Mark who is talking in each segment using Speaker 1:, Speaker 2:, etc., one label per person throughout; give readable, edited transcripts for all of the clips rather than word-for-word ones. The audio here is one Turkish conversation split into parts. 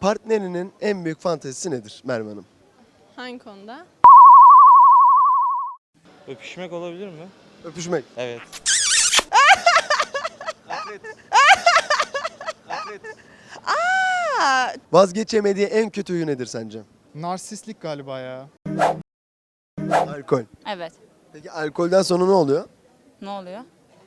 Speaker 1: Partnerinin en büyük fantezisi nedir Merve Hanım?
Speaker 2: Hangi konuda?
Speaker 3: Öpüşmek olabilir mi?
Speaker 1: Öpüşmek.
Speaker 3: Evet.
Speaker 1: Vazgeçemediği en kötü huyu nedir sence?
Speaker 4: Narsistlik galiba ya.
Speaker 1: Alkol.
Speaker 5: Evet.
Speaker 1: Peki alkolden sonra ne oluyor?
Speaker 5: Ne oluyor?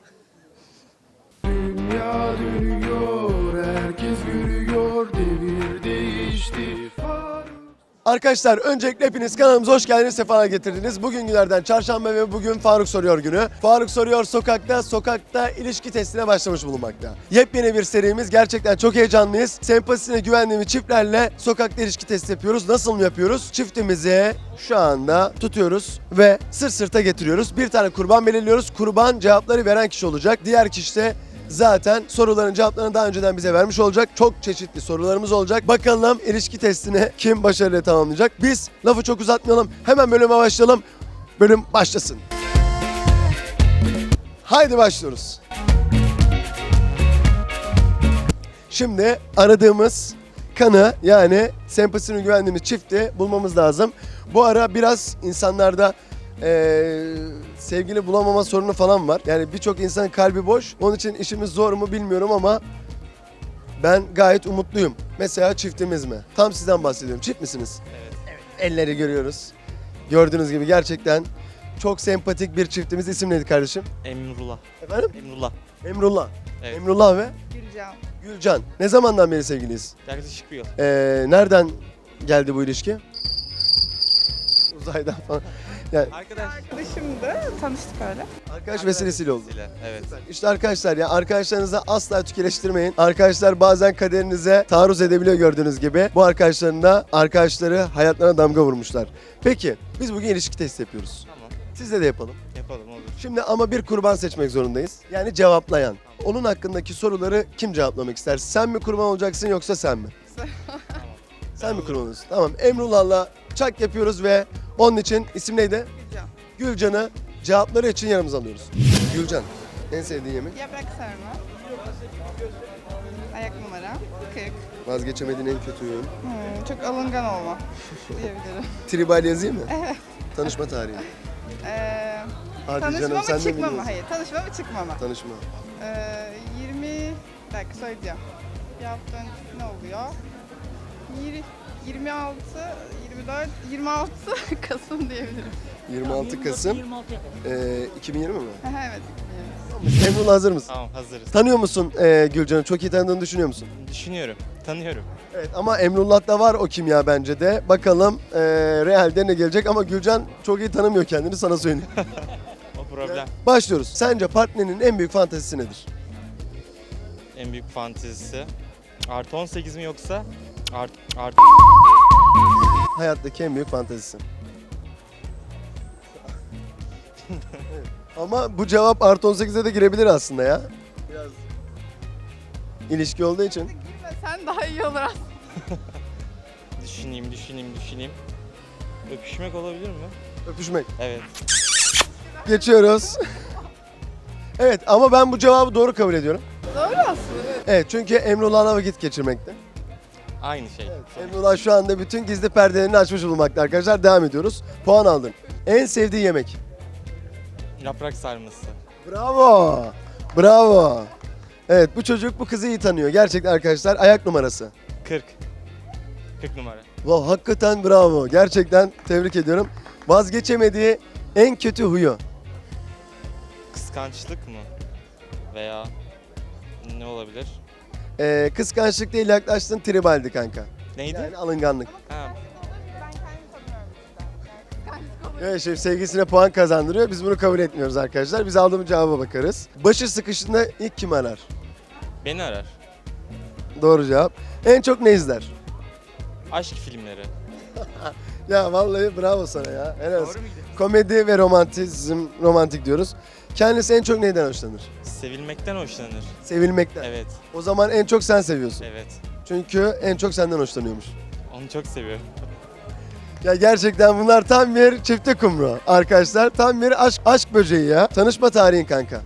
Speaker 6: Dünya dönüyor, herkes görüyor, devir değişti.
Speaker 1: Arkadaşlar öncelikle hepiniz kanalımıza hoş geldiniz, sefalar getirdiniz. Bugün günlerden çarşamba ve bugün Faruk Soruyor günü. Faruk Soruyor sokakta ilişki testine başlamış bulunmakta. Yepyeni bir serimiz, gerçekten çok heyecanlıyız. Sempatisine güvendiğimiz çiftlerle sokakta ilişki testi yapıyoruz. Nasıl mı yapıyoruz? Çiftimizi şu anda tutuyoruz ve sırt sırta getiriyoruz. Bir tane kurban belirliyoruz. Kurban cevapları veren kişi olacak. Diğer kişi de zaten soruların cevaplarını daha önceden bize vermiş olacak. Çok çeşitli sorularımız olacak. Bakalım ilişki testini kim başarıyla tamamlayacak? Biz lafı çok uzatmayalım. Hemen bölüme başlayalım. Bölüm başlasın. Haydi başlıyoruz. Şimdi aradığımız kanı, yani sempatisini güvendiğimiz çifti bulmamız lazım. Bu ara biraz insanlarda sevgili bulamama sorunu falan var. Yani birçok insanın kalbi boş. Onun için işimiz zor mu bilmiyorum ama ben gayet umutluyum. Mesela çiftimiz mi? Tam sizden bahsediyorum. Çift misiniz?
Speaker 3: Evet.
Speaker 1: Elleri görüyoruz. Gördüğünüz gibi gerçekten çok sempatik bir çiftimiz. İsim neydi kardeşim?
Speaker 3: Emrullah.
Speaker 1: Efendim?
Speaker 3: Emrullah.
Speaker 1: Emrullah.
Speaker 3: Evet.
Speaker 1: Emrullah ve
Speaker 2: Gülcan.
Speaker 1: Gülcan. Ne zamandan beri sevgiliyiz?
Speaker 3: Yaklaşık bir yıl.
Speaker 1: Nereden geldi bu ilişki? Uzaydan falan. Yani
Speaker 2: Arkadaşımdı. Tanıştık öyle.
Speaker 1: arkadaş vesilesiyle oldu.
Speaker 3: Evet.
Speaker 1: İşte arkadaşlar, ya arkadaşlarınızı asla tükeleştirmeyin. Arkadaşlar bazen kaderinize taarruz edebiliyor gördüğünüz gibi. Bu arkadaşların da arkadaşları hayatlarına damga vurmuşlar. Peki biz bugün ilişki testi yapıyoruz.
Speaker 3: Tamam.
Speaker 1: Sizle de yapalım.
Speaker 3: Yapalım olur.
Speaker 1: Şimdi ama bir kurban seçmek zorundayız. Yani cevaplayan. Onun hakkındaki soruları kim cevaplamak ister? Sen mi kurban olacaksın yoksa sen mi? Sen mi kurban olacaksın? Tamam. Emrullah'la çak yapıyoruz ve onun için isim neydi?
Speaker 2: Gülcan.
Speaker 1: Gülcan'ı cevapları için yanımıza alıyoruz. Gülcan, en sevdiğin yemek?
Speaker 2: Yaprak sarma. Ayak numara. 40.
Speaker 1: Vazgeçemediğin en kötü huyun.
Speaker 2: Çok alıngan olma diyebilirim.
Speaker 1: Tribal yazayım mı? Tanışma tarihi. Hadi
Speaker 2: Tanışma
Speaker 1: canım,
Speaker 2: mı
Speaker 1: sen de
Speaker 2: çıkma mı?
Speaker 1: biliyorsun.
Speaker 2: Hayır. Tanışma mı çıkma mı?
Speaker 1: Tanışma.
Speaker 2: 20... Bir dakika söyleyeceğim. Bir hafta öncesi ne oluyor? 26, 24, 26 Kasım diyebilirim.
Speaker 1: 26 Kasım 2020 mi?
Speaker 2: Evet.
Speaker 1: Emrullah, hazır mısın?
Speaker 3: Tamam hazırız.
Speaker 1: Tanıyor musun Gülcan'ı? Çok iyi tanıdığını düşünüyor musun?
Speaker 3: Düşünüyorum. Tanıyorum.
Speaker 1: Evet, ama Emrullah'ta var o kimya bence de. Bakalım realde ne gelecek, ama Gülcan çok iyi tanımıyor kendini, sana söyleyeyim.
Speaker 3: O problem.
Speaker 1: Başlıyoruz. Sence partnerinin en büyük fantezisi nedir?
Speaker 3: En büyük fantezisi. Artı 18 mi yoksa? Artı.
Speaker 1: Hayattaki en büyük fantezisi. Evet. Ama bu cevap artı 18'e de girebilir aslında ya. Biraz ilişki olduğu için.
Speaker 2: Girme sen daha iyi olur aslında.
Speaker 3: Düşüneyim. Öpüşmek olabilir mi?
Speaker 1: Öpüşmek.
Speaker 3: Evet.
Speaker 1: Geçiyoruz. Evet, ama ben bu cevabı doğru kabul ediyorum.
Speaker 2: Doğru aslında.
Speaker 1: Evet, çünkü Emrullah'la vakit geçirmekte.
Speaker 3: Aynı şey.
Speaker 1: Emrullah şu anda bütün gizli perdelerini açmış bulunmakta arkadaşlar. Devam ediyoruz. Puan aldın. En sevdiği yemek.
Speaker 3: Yaprak sarması.
Speaker 1: Bravo. Bravo. Evet, bu çocuk bu kızı iyi tanıyor. Gerçekten arkadaşlar, ayak numarası.
Speaker 3: 40. 40 numara.
Speaker 1: Wow, hakikaten bravo. Gerçekten tebrik ediyorum. Vazgeçemediği en kötü huyu.
Speaker 3: Kıskançlık mı? Veya ne olabilir?
Speaker 1: Kıskançlık değil, yaklaştın, tribaldi kanka.
Speaker 3: Neydi?
Speaker 1: Yani alınganlık.
Speaker 3: Ha,
Speaker 2: Ben kendimi tanımıyorum bizden.
Speaker 1: Evet, şef sevgisine puan kazandırıyor. Biz bunu kabul etmiyoruz arkadaşlar. Biz aldığımız cevaba bakarız. Başı sıkıştığında ilk kim arar?
Speaker 3: beni arar.
Speaker 1: Doğru cevap. En çok ne izler?
Speaker 3: Aşk filmleri.
Speaker 1: Ya vallahi bravo sana ya. Helal olsun.
Speaker 3: muydu?
Speaker 1: Komedi ve romantik diyoruz. Kendisi en çok neyden hoşlanır?
Speaker 3: Sevilmekten hoşlanır.
Speaker 1: Sevilmekten.
Speaker 3: Evet.
Speaker 1: O zaman en çok sen seviyorsun.
Speaker 3: Evet.
Speaker 1: Çünkü en çok senden hoşlanıyormuş.
Speaker 3: Onu çok seviyorum.
Speaker 1: Ya gerçekten bunlar tam bir çifte kumru arkadaşlar. Tam bir aşk böceği ya. Tanışma tarihin kanka.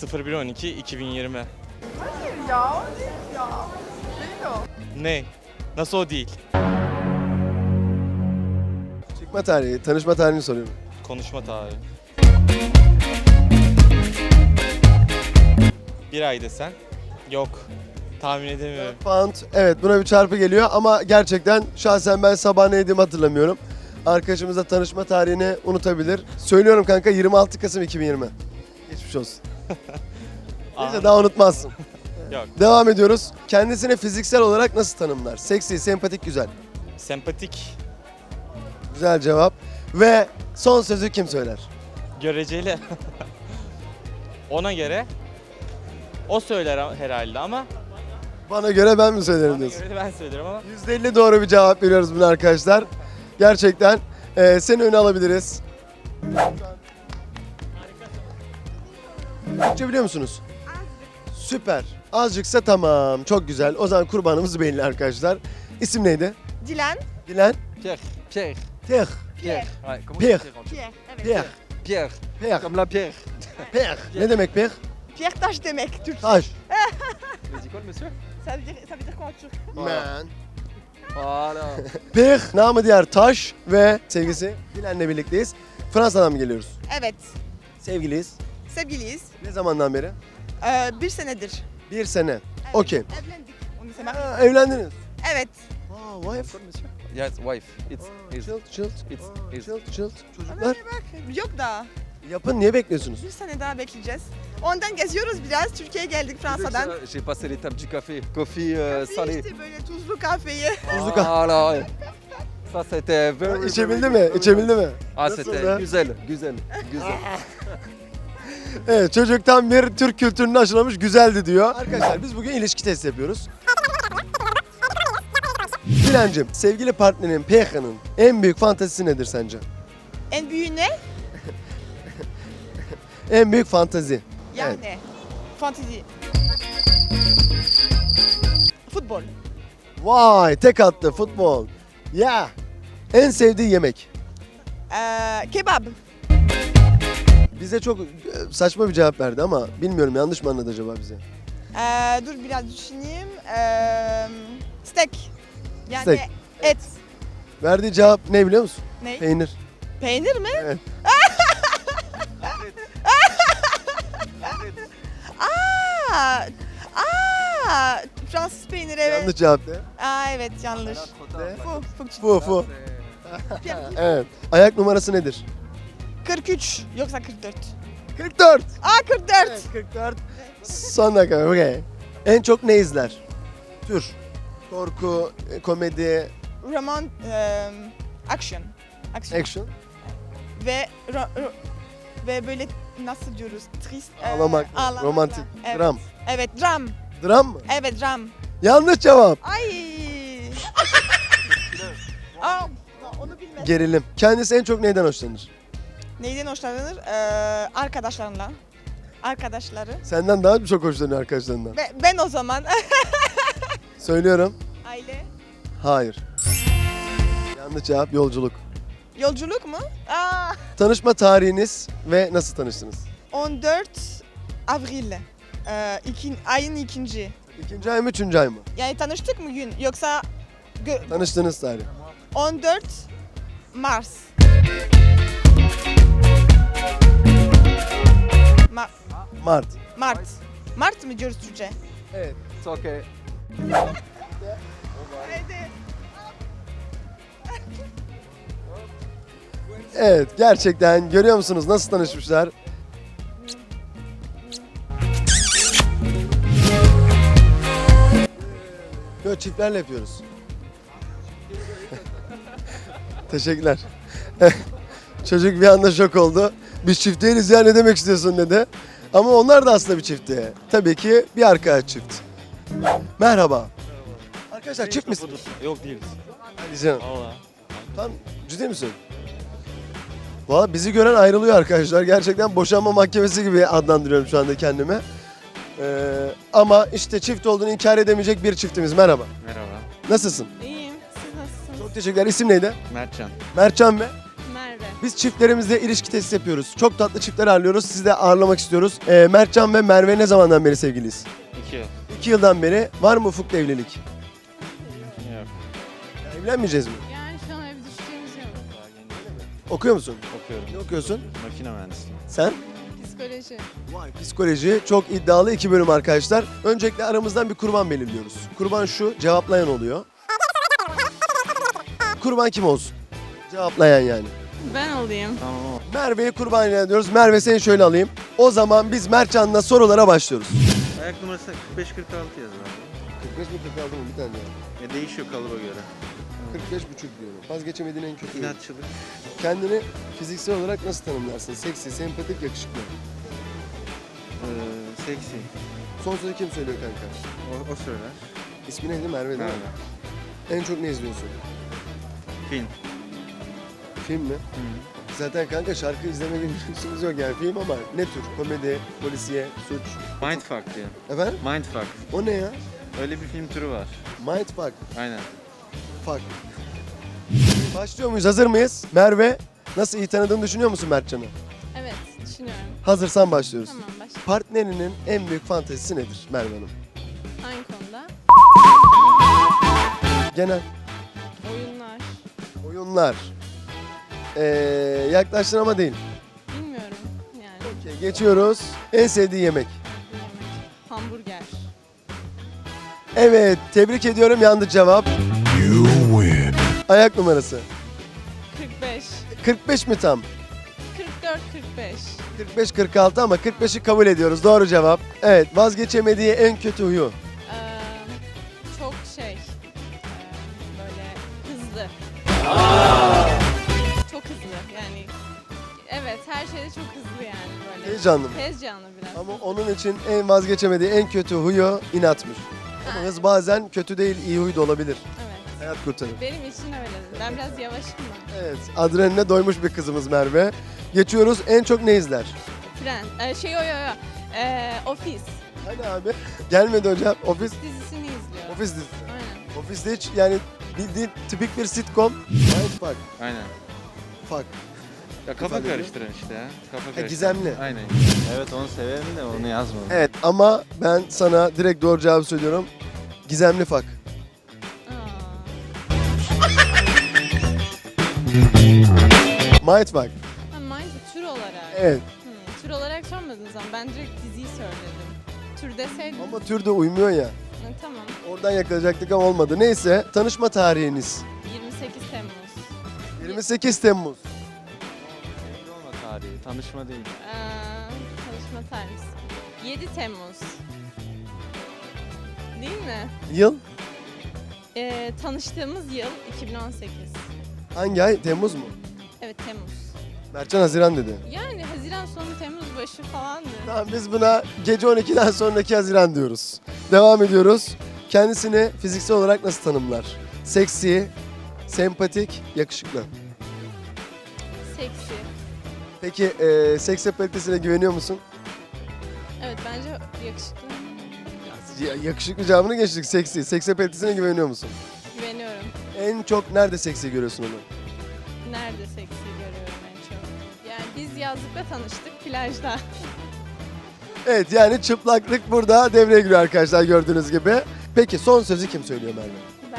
Speaker 3: 01.12.2020.
Speaker 2: Ya. Ya. Değil o.
Speaker 3: Ne? Nasıl o değil?
Speaker 1: Çıkma tarihi, tanışma tarihini soruyorum.
Speaker 3: Konuşma tarihi. Bir ay desen? Yok. Tahmin edemiyorum.
Speaker 1: Pound, evet buna bir çarpı geliyor ama gerçekten şahsen ben sabah ne yediğimi hatırlamıyorum. Arkadaşımız da tanışma tarihini unutabilir. Söylüyorum kanka 26 Kasım 2020. Geçmiş olsun. Neyse daha unutmazsın.
Speaker 3: Yok.
Speaker 1: Devam ediyoruz. Kendisini fiziksel olarak nasıl tanımlar? Seksi, sempatik, güzel.
Speaker 3: Sempatik,
Speaker 1: Güzel cevap. Ve son sözü kim söyler?
Speaker 3: göreceli. Ona göre o söyler herhalde ama
Speaker 1: Bana göre ben mi söylerim
Speaker 3: bana
Speaker 1: diyorsun?
Speaker 3: göre de ben söylerim ama
Speaker 1: %50 doğru bir cevap veriyoruz buna arkadaşlar. Gerçekten seni öne alabiliriz. Türkçe biliyor musunuz? Süper. Azıcıksa tamam. Çok güzel. O zaman kurbanımız belli arkadaşlar. İsim neydi?
Speaker 2: Dilan.
Speaker 1: Dilan.
Speaker 5: Pierre. Pierre.
Speaker 1: Pierre.
Speaker 2: Pierre.
Speaker 5: Ouais, comment
Speaker 1: Pierre.
Speaker 5: tu dis en
Speaker 2: Pierre. Evet.
Speaker 1: Pierre.
Speaker 5: Pierre.
Speaker 1: Pierre.
Speaker 5: Comme la pierre.
Speaker 1: Pierre. Ne demek Pierre?
Speaker 2: Pierre taş demek Türkçe.
Speaker 1: Taş.
Speaker 5: Mais dis quoi le monsieur?
Speaker 2: Ça veut dire quoi en Türk?
Speaker 1: Man.
Speaker 5: Voilà.
Speaker 1: Pierre, namı diğer Taş ve sevgisi Dilan'la birlikteyiz. Fransa'dan mı geliyoruz?
Speaker 2: Evet.
Speaker 1: Sevgiliyiz.
Speaker 2: Sevgiliyiz.
Speaker 1: Ne zamandan beri?
Speaker 2: Bir senedir.
Speaker 1: Bir sene.
Speaker 2: Evet.
Speaker 1: Okey.
Speaker 2: Evlendik. On s'est mariés.
Speaker 1: Ha, evlendiniz.
Speaker 2: Evet.
Speaker 1: Aa, wife.
Speaker 5: Quoi le monsieur? Yes, wife. It's his.
Speaker 1: Chill.
Speaker 5: It's
Speaker 1: Chill. Çocuklar
Speaker 2: Yok daha.
Speaker 1: yapın, niye bekliyorsunuz?
Speaker 2: Bir sene daha bekleyeceğiz. Ondan geziyoruz biraz. Türkiye'ye geldik Fransa'dan.
Speaker 5: J'ai passé l'étape du café. Coffee salé.
Speaker 2: İşte böyle tuzlu kahveyi.
Speaker 1: Tuzlu kahve.
Speaker 5: Voilà. ouais. Ça c'était very.
Speaker 1: İçebildi mi? İçebildi mi?
Speaker 5: Ah
Speaker 1: Nasıl
Speaker 5: c'était
Speaker 1: ya?
Speaker 5: güzel, güzel, güzel.
Speaker 1: Evet, çocuktan bir Türk kültürünü aşılamış, güzeldi diyor. Arkadaşlar biz bugün ilişki testi yapıyoruz. Dilancığım, sevgili partnerin Pierre'nin en büyük fantezisi nedir sence?
Speaker 2: En büyüğü ne?
Speaker 1: En büyük fantazi.
Speaker 2: Yani. Fantezi. Futbol.
Speaker 1: Vay, tek attı futbol. Ya. En sevdiği yemek.
Speaker 2: Kebap.
Speaker 1: Bize çok saçma bir cevap verdi ama bilmiyorum yanlış mı anladı acaba bize?
Speaker 2: Dur biraz düşüneyim. Steak. Yani
Speaker 1: Steak.
Speaker 2: et.
Speaker 1: Verdiği cevap ne biliyor musun?
Speaker 2: Ne?
Speaker 1: Peynir.
Speaker 2: Peynir mi?
Speaker 1: Evet.
Speaker 2: Aa, Fransız peyniri evet.
Speaker 1: Yanlış cevap ne?
Speaker 2: Evet yanlış.
Speaker 1: Fu. Evet. Ayak numarası nedir?
Speaker 2: 43 yoksa 44.
Speaker 1: 44.
Speaker 2: 44.
Speaker 1: Evet, 44. Son dakika. Okay. En çok ne izler? Tür. Korku, komedi,
Speaker 2: Roman, action.
Speaker 1: action.
Speaker 2: Ve ve böyle nasıl diyoruz? Trist.
Speaker 1: Ağlamak, romantik,
Speaker 2: Evet.
Speaker 1: dram.
Speaker 2: Evet dram.
Speaker 1: Dram mı?
Speaker 2: Evet dram.
Speaker 1: Yanlış cevap.
Speaker 2: Ay. Aa, onu bilmem.
Speaker 1: Gerilim. Kendisi en çok neyden hoşlanır?
Speaker 2: Neyden hoşlanır? Arkadaşlarla. Arkadaşları.
Speaker 1: Senden daha çok hoşlanıyor arkadaşlarından.
Speaker 2: Ben o zaman.
Speaker 1: Söylüyorum.
Speaker 2: Aile.
Speaker 1: Hayır. Yanlış cevap yolculuk.
Speaker 2: Yolculuk mu?
Speaker 1: Tanışma tarihiniz ve nasıl tanıştınız?
Speaker 2: 14 Avril. Ayın ikinci.
Speaker 1: İkinci ay mı, üçüncü ay mı?
Speaker 2: Yani tanıştık mı gün yoksa
Speaker 1: Tanıştığınız tarih.
Speaker 2: 14 Mars.
Speaker 1: Mart.
Speaker 2: Mart. Mart mı diyoruz Türkçe?
Speaker 1: Evet.
Speaker 5: It's okay.
Speaker 1: Evet, gerçekten görüyor musunuz nasıl tanışmışlar? Böyle çiftlerle yapıyoruz. Teşekkürler. Çocuk bir anda şok oldu. Biz çift değiliz ya, ne demek istiyorsun dedi. Ama onlar da aslında bir çiftti. Tabii ki bir arkadaş çift. Merhaba. Arkadaşlar çift misiniz?
Speaker 3: Yok değiliz.
Speaker 1: Hadi canım.
Speaker 3: Valla.
Speaker 1: Tam ciddi misin? Valla bizi gören ayrılıyor arkadaşlar. Gerçekten boşanma mahkemesi gibi adlandırıyorum şu anda kendimi. Ama işte çift olduğunu inkar edemeyecek bir çiftimiz. Merhaba.
Speaker 3: Merhaba.
Speaker 1: Nasılsın?
Speaker 2: İyiyim. Siz nasılsınız?
Speaker 1: Çok teşekkürler. İsim neydi?
Speaker 3: Mertcan.
Speaker 1: Mertcan ve
Speaker 2: Merve.
Speaker 1: biz çiftlerimizle ilişki testi yapıyoruz. Çok tatlı çiftler ağırlıyoruz. Sizi de ağırlamak istiyoruz. Mertcan ve Merve ne zamandan beri sevgiliyiz?
Speaker 3: 2 yıl.
Speaker 1: 2 yıldan beri. Var mı ufukta evlilik?
Speaker 3: Yok.
Speaker 1: Evlenmeyeceğiz mi?
Speaker 2: Yani şu an öyle bir düşüncemiz yok.
Speaker 1: Okuyor musun?
Speaker 7: Okuyorum.
Speaker 1: Ne okuyorsun?
Speaker 7: Makine mühendisliği.
Speaker 1: Sen?
Speaker 2: Psikoloji.
Speaker 1: Vay, psikoloji çok iddialı 2 bölüm arkadaşlar. Öncelikle aramızdan bir kurban belirliyoruz. Kurban şu, cevaplayan oluyor. Kurban kim olsun? Cevaplayan yani.
Speaker 2: Ben olayım.
Speaker 7: Tamam ama
Speaker 1: Merve'yi kurban ilan ediyoruz. Merve seni şöyle alayım. O zaman biz Mertcan'la sorulara başlıyoruz.
Speaker 7: ayak numarası 45-46 yaz abi.
Speaker 1: 45 mi 46 mı bir tane
Speaker 7: Ya değişiyor kalıba göre.
Speaker 1: 45,5 diyorum. Vazgeçemediğin en kötü.
Speaker 7: İnatçılık.
Speaker 1: Kendini fiziksel olarak nasıl tanımlarsın? Seksi, sempatik, yakışıklı.
Speaker 7: Seksi.
Speaker 1: Son sözü kim söylüyor kanka?
Speaker 7: O söyler.
Speaker 1: İsmi neydi? Merve değil mi?
Speaker 7: Merve.
Speaker 1: En çok ne izliyorsun?
Speaker 7: Film.
Speaker 1: Film mi? Zaten kanka şarkı izleme gibi lüksümüz yok yani film ama ne tür? Komedi, polisiye, suç.
Speaker 7: Mindfuck diye.
Speaker 1: Efendim?
Speaker 7: Mindfuck.
Speaker 1: O ne ya?
Speaker 7: Öyle bir film türü var.
Speaker 1: Mindfuck.
Speaker 7: Aynen.
Speaker 1: Fuck. Başlıyor muyuz? Hazır mıyız? Merve, nasıl iyi tanıdığını düşünüyor musun Mertcan'ı?
Speaker 2: Evet, düşünüyorum.
Speaker 1: Hazırsan başlıyoruz.
Speaker 2: Tamam, başla.
Speaker 1: Partnerinin en büyük fantezisi nedir Merve Hanım?
Speaker 2: Hangi konuda?
Speaker 1: Genel
Speaker 2: Oyunlar.
Speaker 1: oyunlar. Yaklaştın ama değil.
Speaker 2: Bilmiyorum yani.
Speaker 1: Okey, geçiyoruz. En sevdiği yemek.
Speaker 2: Yemek. Hamburger.
Speaker 1: Evet, tebrik ediyorum. Yanlış cevap. Ayak numarası.
Speaker 2: 45.
Speaker 1: 45 mi tam?
Speaker 2: 44-45.
Speaker 1: 45-46 ama 45'i kabul ediyoruz. Doğru cevap. Evet, vazgeçemediği en kötü huyu.
Speaker 2: Çok şey. Böyle hızlı. Çok hızlı yani. Evet, her şeyde çok hızlı yani böyle.
Speaker 1: Heyecanlı mı?
Speaker 2: Tez canlı biraz.
Speaker 1: Ama onun için en vazgeçemediği en kötü huyu inatmış. Ama hız bazen kötü değil, iyi huy da olabilir.
Speaker 2: Evet.
Speaker 1: Hayat kurtarır.
Speaker 2: Benim için öyle. Ben biraz yavaşım da.
Speaker 1: Evet, adrenaline doymuş bir kızımız Merve. Geçiyoruz. En çok ne izler?
Speaker 2: Friends. Office.
Speaker 1: Hani abi? Gelmedi hocam. Ofis
Speaker 2: Dizisini izliyor.
Speaker 1: dizisi.
Speaker 2: Aynen.
Speaker 1: Ofiste hiç yani bildiğin tipik bir sitcom. Mindfuck.
Speaker 7: Aynen.
Speaker 1: Fuck.
Speaker 7: Ya kafa
Speaker 1: Efendim?
Speaker 7: karıştıran işte ya. Kafa karıştıran.
Speaker 1: Gizemli.
Speaker 7: Aynen. Evet onu severim de onu yazmadım.
Speaker 1: Evet ama ben sana direkt doğru cevabı söylüyorum. Gizemli fuck. Mindfuck.
Speaker 2: Mind tür olarak.
Speaker 1: Evet.
Speaker 2: Tür olarak sormadığınız zaman ben direkt diziyi söyledim. Tür deseydim.
Speaker 1: Ama tür de uymuyor ya.
Speaker 2: Tamam.
Speaker 1: Oradan yakalayacaktık ama olmadı. Neyse, tanışma tarihiniz.
Speaker 2: 28 Temmuz.
Speaker 1: 28 Temmuz.
Speaker 7: Belli olma tarihi. Tanışma değil.
Speaker 2: Tanışma tarihimiz. 7 Temmuz. Değil mi?
Speaker 1: Yıl?
Speaker 2: Tanıştığımız yıl 2018.
Speaker 1: Hangi ay? Temmuz mu?
Speaker 2: Evet, Temmuz.
Speaker 1: Mertcan Haziran dedi.
Speaker 2: Yani Haziran sonu Temmuz başı falandı.
Speaker 1: Tamam, biz buna gece 12'den sonraki Haziran diyoruz. Devam ediyoruz. Kendisini fiziksel olarak nasıl tanımlar? Seksi, sempatik, yakışıklı.
Speaker 2: Seksi.
Speaker 1: Peki seks apalitesine güveniyor musun?
Speaker 2: Evet, bence yakışıklı.
Speaker 1: Yakışıklı cevabını geçtik. Seksi. Seks apalitesine güveniyor musun?
Speaker 2: Güveniyorum.
Speaker 1: En çok nerede seksi görüyorsun onu?
Speaker 2: Nerede seksi görüyorum en çok? Yani biz yazlıkta tanıştık, plajda.
Speaker 1: Evet, yani çıplaklık burada devreye giriyor arkadaşlar gördüğünüz gibi. Peki son sözü kim söylüyor Merve?
Speaker 2: Ben.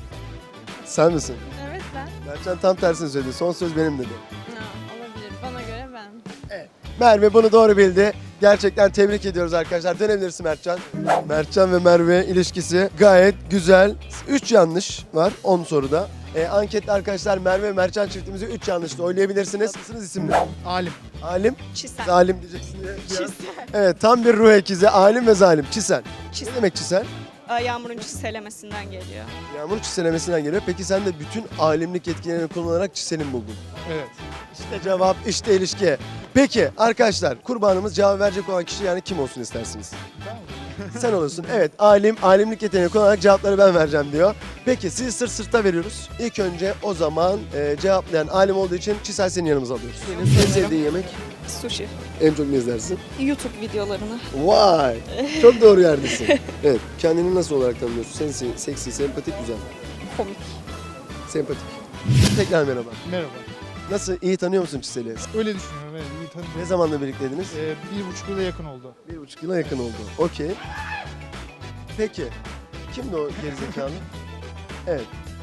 Speaker 1: Sen misin?
Speaker 2: Evet, ben.
Speaker 1: Mertcan tam tersini söyledi. Son söz benim dedi.
Speaker 2: Olabilir. Bana göre ben.
Speaker 1: Merve bunu doğru bildi. Gerçekten tebrik ediyoruz arkadaşlar. Dönebilirsin Mertcan. Mertcan ve Merve ilişkisi gayet güzel. 3 yanlış var 10 soruda. Ankette arkadaşlar Merve ve Mertcan çiftimizi 3 yanlışla oylayabilirsiniz. Nasılsınız isimli?
Speaker 4: Alim.
Speaker 1: Alim,
Speaker 2: Çisel.
Speaker 1: zalim diyeceksin diye. Evet, tam bir ruh ikizi. Alim ve zalim. Çisel. Ne demek çisel?
Speaker 8: Yağmurun çiselemesinden geliyor.
Speaker 1: Yağmur çiselemesinden geliyor. Peki sen de bütün alimlik yetkilerini kullanarak çiselin buldun.
Speaker 4: Evet.
Speaker 1: İşte cevap, işte ilişki. Peki arkadaşlar, kurbanımız cevap verecek olan kişi yani kim olsun istersiniz? Sen olursun. Evet, alimlik yeteneğini kullanarak cevapları ben vereceğim diyor. Peki sizi sırt sırta veriyoruz. İlk önce o zaman cevaplayan alim olduğu için Çisel senin yanımıza alıyoruz. Senin en sevdiğin yemek?
Speaker 8: Sushi.
Speaker 1: En çok ne izlersin?
Speaker 8: YouTube videolarını.
Speaker 1: Vay! Çok doğru yerdesin. Evet, kendini nasıl olarak tanımlıyorsun? Sen seksi, sempatik, güzel.
Speaker 8: Komik.
Speaker 1: Sempatik. Tekrar merhaba.
Speaker 4: Merhaba.
Speaker 1: Nasıl, iyi tanıyor musun Çisel'i?
Speaker 4: Öyle düşünüyorum. Evet, iyi tanıdım.
Speaker 1: Ne zamanla birlikteydiniz?
Speaker 4: 1,5 yıla yakın oldu.
Speaker 1: 1,5 yıla yakın oldu. Okey. Peki, kimdi o gerizekalı? Evet.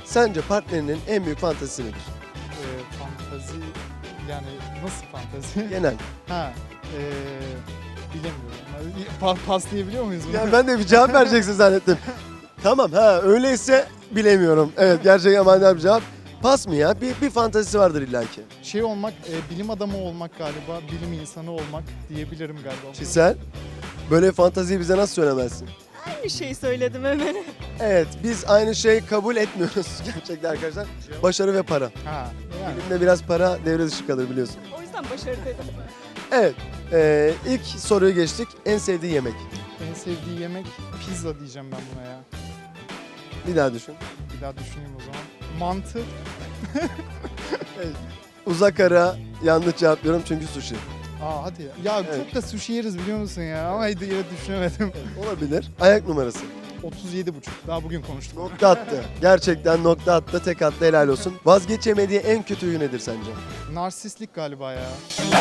Speaker 1: Sence partnerinin en büyük fantezisi nedir?
Speaker 4: Fantazi yani nasıl fantazi?
Speaker 1: Genel.
Speaker 4: Ha. Bilemiyorum. Yani pas diyebiliyor muyuz bunu?
Speaker 1: Yani ben de bir cevap vereceksin zannettim. Tamam ha öyleyse bilemiyorum. Evet gerçekten manidar bir cevap. Pas mı ya? Bir fantezisi vardır illaki.
Speaker 4: Şey olmak, bilim adamı olmak galiba, bilim insanı olmak diyebilirim galiba.
Speaker 1: Çisel, böyle fanteziyi bize nasıl söylemezsin?
Speaker 8: Aynı şeyi söyledim hemen.
Speaker 1: Evet, biz aynı şeyi kabul etmiyoruz gerçekten arkadaşlar. Başarı ve para.
Speaker 4: Ha. Yani.
Speaker 1: Bilimde biraz para devre dışı kalır biliyorsun.
Speaker 8: O yüzden başarı dedim.
Speaker 1: Evet, ilk soruyu geçtik. En sevdiği yemek.
Speaker 4: En sevdiği yemek pizza diyeceğim ben buna ya.
Speaker 1: Bir daha düşün.
Speaker 4: Bir daha düşüneyim o zaman. Mantı.
Speaker 1: Uzak ara yanlış cevaplıyorum çünkü sushi.
Speaker 4: Aa hadi ya. Ya
Speaker 1: Evet.
Speaker 4: çok da sushi yeriz biliyor musun ya? Ama yine düşünemedim.
Speaker 1: Olabilir. Ayak numarası.
Speaker 4: 37,5. Daha bugün konuştuk.
Speaker 1: Nokta attı. Gerçekten nokta attı. Tek attı. Helal olsun. Vazgeçemediği en kötü huyu nedir sence?
Speaker 4: Narsistlik galiba ya.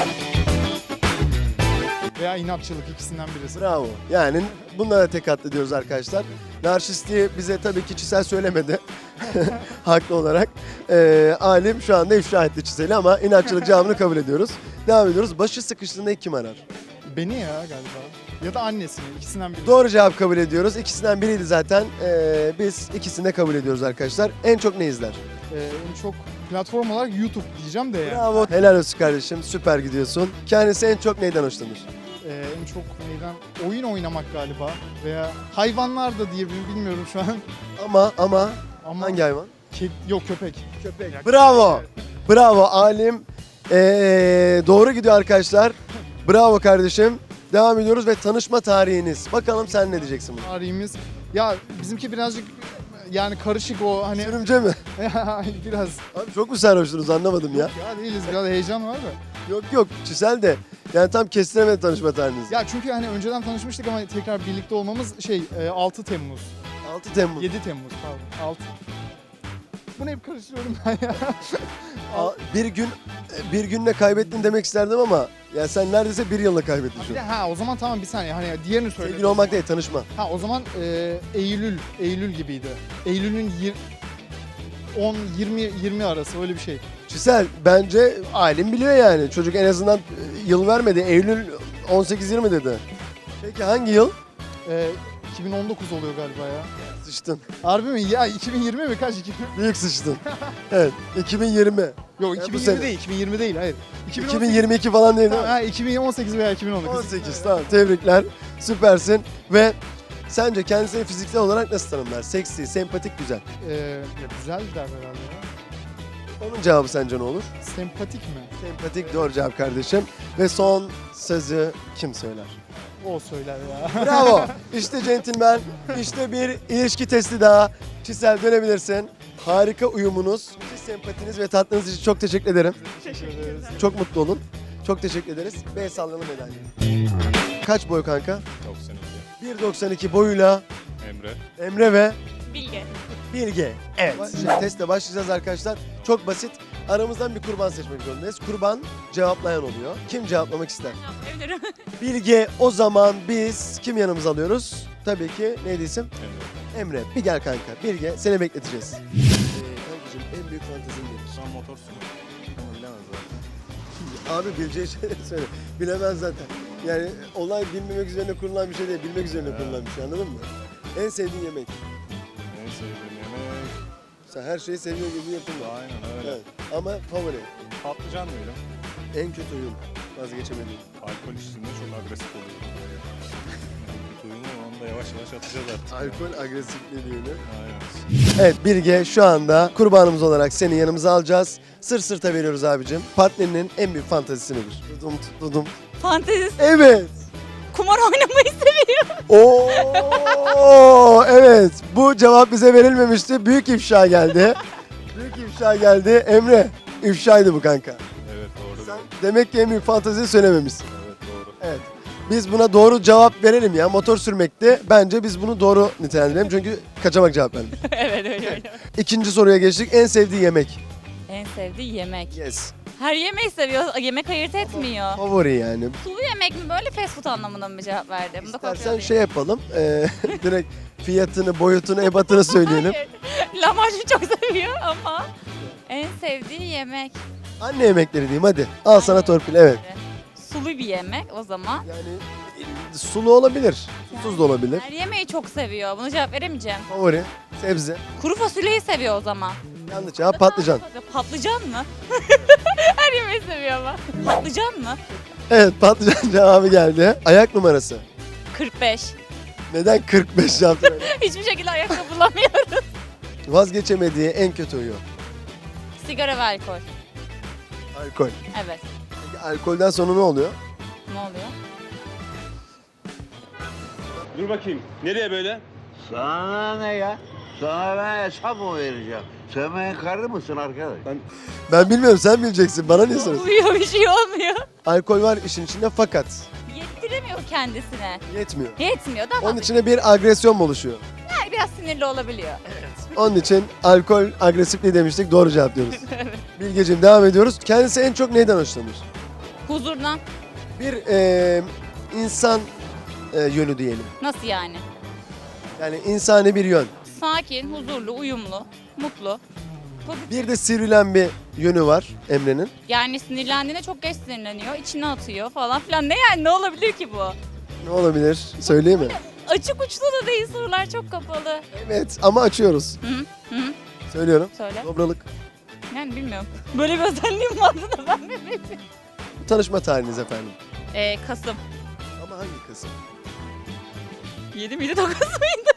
Speaker 4: Veya inatçılık ikisinden birisi.
Speaker 1: Bravo. Yani bunlara tek attı diyoruz arkadaşlar. Narsistliği bize tabii ki Çisel söylemedi. Haklı olarak. Alim şu anda ifşa etti Çisel'i ama inatçılık cevabını kabul ediyoruz. Devam ediyoruz. Başı sıkıştığında ilk kim arar?
Speaker 4: Beni ya galiba. Ya da annesini. İkisinden birisi.
Speaker 1: Doğru cevap kabul ediyoruz. İkisinden biriydi zaten. Biz ikisini de kabul ediyoruz arkadaşlar. En çok ne izler?
Speaker 4: En çok platform olarak YouTube diyeceğim de ya.
Speaker 1: Bravo. Helal olsun kardeşim. Süper gidiyorsun. Kendisi en çok neyden hoşlanır?
Speaker 4: En çok neyden? Oyun oynamak galiba. Veya hayvanlar da diyebilirim bilmiyorum şu an.
Speaker 1: Ama
Speaker 4: Ama
Speaker 1: hangi hayvan?
Speaker 4: Yok köpek.
Speaker 1: Köpek. Bravo. Bravo Alim. Doğru gidiyor arkadaşlar. Bravo kardeşim. Devam ediyoruz ve tanışma tarihiniz. Bakalım sen ne diyeceksin buna?
Speaker 4: Tarihimiz. Ya bizimki birazcık yani karışık o hani
Speaker 1: Sürümce mi?
Speaker 4: biraz.
Speaker 1: Abi çok mu sarhoştunuz anlamadım ya.
Speaker 4: Ya değiliz biraz heyecan var da.
Speaker 1: Yok Çisel de. Yani tam kestiremedi tanışma tarihinizi.
Speaker 4: Ya çünkü hani önceden tanışmıştık ama tekrar birlikte olmamız 6 Temmuz.
Speaker 1: 6 Temmuz.
Speaker 4: 7 Temmuz pardon 6. Bunu hep karıştırıyorum ben ya.
Speaker 1: Bir günle kaybettin demek isterdim ama ya sen neredeyse bir yılla kaybettin şu
Speaker 4: Bir de
Speaker 1: an.
Speaker 4: o zaman tamam bir saniye hani diğerini söyle.
Speaker 1: Sevgili olmak değil tanışma.
Speaker 4: O zaman Eylül gibiydi. Eylül'ün 10-20 arası öyle bir şey.
Speaker 1: Çisel bence Alim biliyor yani. Çocuk en azından yıl vermedi. Eylül 18-20 dedi. Peki hangi yıl?
Speaker 4: 2019 oluyor galiba ya.
Speaker 1: Sıçtın.
Speaker 4: Harbi mi? Ya 2020 mi? Kaç?
Speaker 1: Büyük sıçtın. Evet 2020.
Speaker 4: Yok
Speaker 1: bu
Speaker 4: 2020
Speaker 1: sene.
Speaker 4: değil. 2020 değil hayır.
Speaker 1: 2022 falan değil değil mi?
Speaker 4: Ha, 2018 veya 2019.
Speaker 1: 18 tamam tebrikler. Süpersin. Ve sence kendisini fiziksel olarak nasıl tanımlar? Seksi, sempatik, güzel.
Speaker 4: Ya güzel der herhalde ya.
Speaker 1: Onun cevabı sence ne olur?
Speaker 4: Sempatik mi?
Speaker 1: Sempatik doğru cevap kardeşim. Ve son sözü kim söyler?
Speaker 4: O söyler ya.
Speaker 1: Bravo. İşte centilmen. İşte bir ilişki testi daha. Çisel dönebilirsin. Harika uyumunuz, müthiş sempatiniz ve tatlınız için çok teşekkür ederim.
Speaker 4: Teşekkür ederiz.
Speaker 1: Çok mutlu olun. Çok teşekkür ederiz. B sallanı medalya. Kaç boy kanka?
Speaker 9: 92.
Speaker 1: 1.92 boyuyla
Speaker 9: Emre.
Speaker 1: Emre ve
Speaker 8: Bilge.
Speaker 1: Bilge. Evet. Şimdi testle başlayacağız arkadaşlar. Çok basit. Aramızdan bir kurban seçmek zorundayız. Kurban cevaplayan oluyor. Kim cevaplamak ister?
Speaker 8: Evlerim.
Speaker 1: Bilge. O zaman biz kim yanımıza alıyoruz? Tabii ki neydi isim?
Speaker 9: Emre.
Speaker 1: Emre. Bir gel kanka. Bilge seni bekleteceğiz. Kankacığım en büyük fantezin nedir?
Speaker 9: Şu an motor sürüyor. Ama bilemez zaten.
Speaker 1: Abi bileceği şeyleri söyle. Bilemez zaten. Yani olay bilmemek üzerine kurulan bir şey değil. Bilmek üzerine kurulan bir şey anladın mı? En sevdiğin yemek.
Speaker 9: En sevdiğim yemek.
Speaker 1: Sen her şeyi seviyor gibi yapılma.
Speaker 9: Aynen öyle.
Speaker 1: Evet. Ama favori.
Speaker 9: Patlıcan diyelim.
Speaker 1: En kötü oyun. Vazgeçemediğim.
Speaker 9: Alkol içtiğinde çok agresif oluyor. En kötü oyunu onu da yavaş yavaş atacağız artık.
Speaker 1: Alkol agresifliği diyelim.
Speaker 9: Aynen.
Speaker 1: Evet Bilge şu anda kurbanımız olarak seni yanımıza alacağız. Sırt sırta veriyoruz abicim. Partnerinin en büyük fantezisi nedir? Dudum.
Speaker 8: Fantezisi.
Speaker 1: Evet.
Speaker 8: Kumar oynamayı seviyorum.
Speaker 1: Oo evet. Bu cevap bize verilmemişti. Büyük ifşa geldi. Büyük ifşa geldi. Emre ifşaydı bu kanka.
Speaker 9: Evet doğru.
Speaker 1: Sen demek ki en büyük fanteziyi söylememişsin.
Speaker 9: Evet doğru.
Speaker 1: Evet. Biz buna doğru cevap verelim ya. Motor sürmekti. Bence biz bunu doğru nitelendirelim. Çünkü kaçamak cevap vermiş.
Speaker 8: Evet öyle.
Speaker 1: İkinci soruya geçtik. En sevdiği yemek.
Speaker 10: En sevdiği yemek.
Speaker 1: Yes.
Speaker 10: Her yemeği seviyor. Yemek ayırt etmiyor.
Speaker 1: Favori yani.
Speaker 10: Sulu yemek mi böyle fast food anlamında mı cevap verdi? Bunu da kontrol
Speaker 1: İstersen
Speaker 10: edeyim.
Speaker 1: şey yapalım. Direkt fiyatını, boyutunu, ebatını söyleyelim.
Speaker 10: Hayır. Lahmacun çok seviyor ama en sevdiği yemek.
Speaker 1: Anne yemekleri diyeyim hadi. Al sana torpil, evet.
Speaker 10: Sulu bir yemek o zaman.
Speaker 1: Yani sulu olabilir, susuz da olabilir.
Speaker 10: Her yemeği çok seviyor. Buna cevap veremeyeceğim.
Speaker 1: Favori, sebze.
Speaker 10: Kuru fasulyeyi seviyor o zaman.
Speaker 1: Yanlış cevap patlıcan.
Speaker 10: Patlıcan mı? Her yemeği seviyor ama. Patlıcan mı?
Speaker 1: Evet, patlıcan cevabı geldi. Ayak numarası.
Speaker 10: 45.
Speaker 1: Neden 45 yaptın öyle?
Speaker 10: Hiçbir şekilde ayakkabı bulamıyorum.
Speaker 1: Vazgeçemediği en kötü huyu.
Speaker 10: Sigara ve alkol.
Speaker 1: Alkol.
Speaker 10: Evet.
Speaker 1: Peki alkolden sonra ne oluyor?
Speaker 10: Ne oluyor?
Speaker 11: Dur bakayım. Nereye böyle?
Speaker 12: Sana ne ya? Sana ben hesap mı vereceğim? Sen benim karı mısın arkadaş?
Speaker 1: Ben bilmiyorum, sen bileceksin. Bana niye soruyorsun?
Speaker 10: Oluyor, bir şey olmuyor.
Speaker 1: Alkol var işin içinde fakat
Speaker 10: Yettiremiyor kendisine.
Speaker 1: yetmiyor.
Speaker 10: Yetmiyor da ama
Speaker 1: Onun içine bir agresyon mu oluşuyor?
Speaker 10: yani biraz sinirli olabiliyor.
Speaker 1: Onun için alkol agresifliği demiştik. Doğru cevap diyoruz. Bilgeciğim devam ediyoruz. Kendisi en çok neyden hoşlanır?
Speaker 10: Huzurdan.
Speaker 1: Bir insan yönü diyelim.
Speaker 10: Nasıl yani?
Speaker 1: Yani insani bir yön.
Speaker 10: Sakin, huzurlu, uyumlu, mutlu. Pozitif.
Speaker 1: Bir de sivrilen bir yönü var Emre'nin.
Speaker 10: Yani sinirlendiğinde çok geç sinirleniyor, içine atıyor falan filan. Ne yani, ne olabilir ki bu?
Speaker 1: Ne olabilir? Söyleyeyim mi?
Speaker 10: Açık uçlu da değil, sorular çok kapalı.
Speaker 1: Evet ama açıyoruz.
Speaker 10: Hı hı.
Speaker 1: Söylüyorum.
Speaker 10: Söyle.
Speaker 1: Dobralık.
Speaker 10: Yani bilmiyorum. Böyle bir özelliğim vardı da ben mi bilmiyorum.
Speaker 1: Tanışma tarihiniz efendim.
Speaker 10: Kasım.
Speaker 1: Ama hangi Kasım?
Speaker 10: 7 miydi, 9 muydu?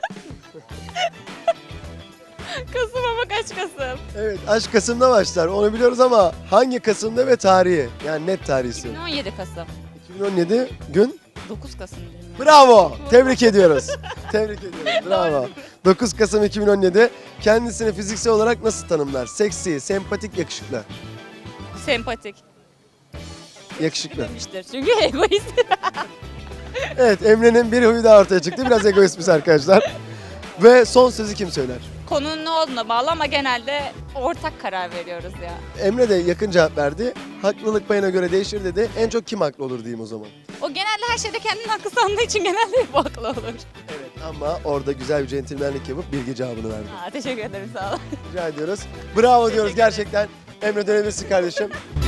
Speaker 10: Kasım ama kaç Kasım?
Speaker 1: Evet, aşk Kasım'da başlar. Onu biliyoruz ama hangi Kasım'da ve tarihi? Yani net tarihi istiyorum.
Speaker 10: 2017 Kasım.
Speaker 1: 2017 gün.
Speaker 10: 9 Kasım değil mi?
Speaker 1: Bravo. Tebrik ediyoruz. Tebrik ediyoruz. Bravo. 9 Kasım 2017. Kendisini fiziksel olarak nasıl tanımlar? Seksi, sempatik, yakışıklı.
Speaker 10: Sempatik
Speaker 1: Yakışıklı.
Speaker 10: demiştir çünkü egoist.
Speaker 1: Evet, Emre'nin bir huyu daha ortaya çıktı. Biraz egoistmiş arkadaşlar. Ve son sözü kim söyler?
Speaker 10: Konunun ne olduğuna bağlı ama genelde ortak karar veriyoruz ya.
Speaker 1: Emre de yakın cevap verdi. Haklılık payına göre değişir dedi. En çok kim haklı olur diyeyim o zaman.
Speaker 10: O genelde her şeyde kendini haklı sandığı için genelde hep haklı olur.
Speaker 1: Evet ama orada güzel bir centilmenlik yapıp bilgi cevabını verdi.
Speaker 10: Teşekkür ederim, sağ ol.
Speaker 1: Rica ediyoruz. Bravo diyoruz gerçekten. Emre dönebilirsin kardeşim.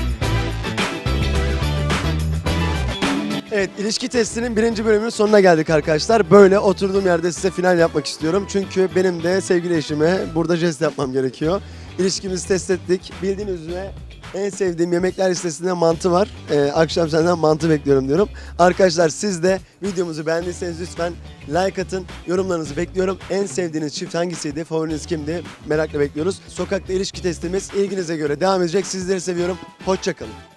Speaker 1: Evet, ilişki testinin 1. bölümünün sonuna geldik arkadaşlar. Böyle oturduğum yerde size final yapmak istiyorum. Çünkü benim de sevgili eşime burada jest yapmam gerekiyor. İlişkimizi test ettik. Bildiğiniz üzere en sevdiğim yemekler listesinde mantı var. Akşam senden mantı bekliyorum diyorum. Arkadaşlar siz de videomuzu beğendiyseniz lütfen like atın. Yorumlarınızı bekliyorum. En sevdiğiniz çift hangisiydi? Favoriniz kimdi? Merakla bekliyoruz. Sokakta ilişki testimiz ilginize göre devam edecek. Sizleri seviyorum. Hoşça kalın.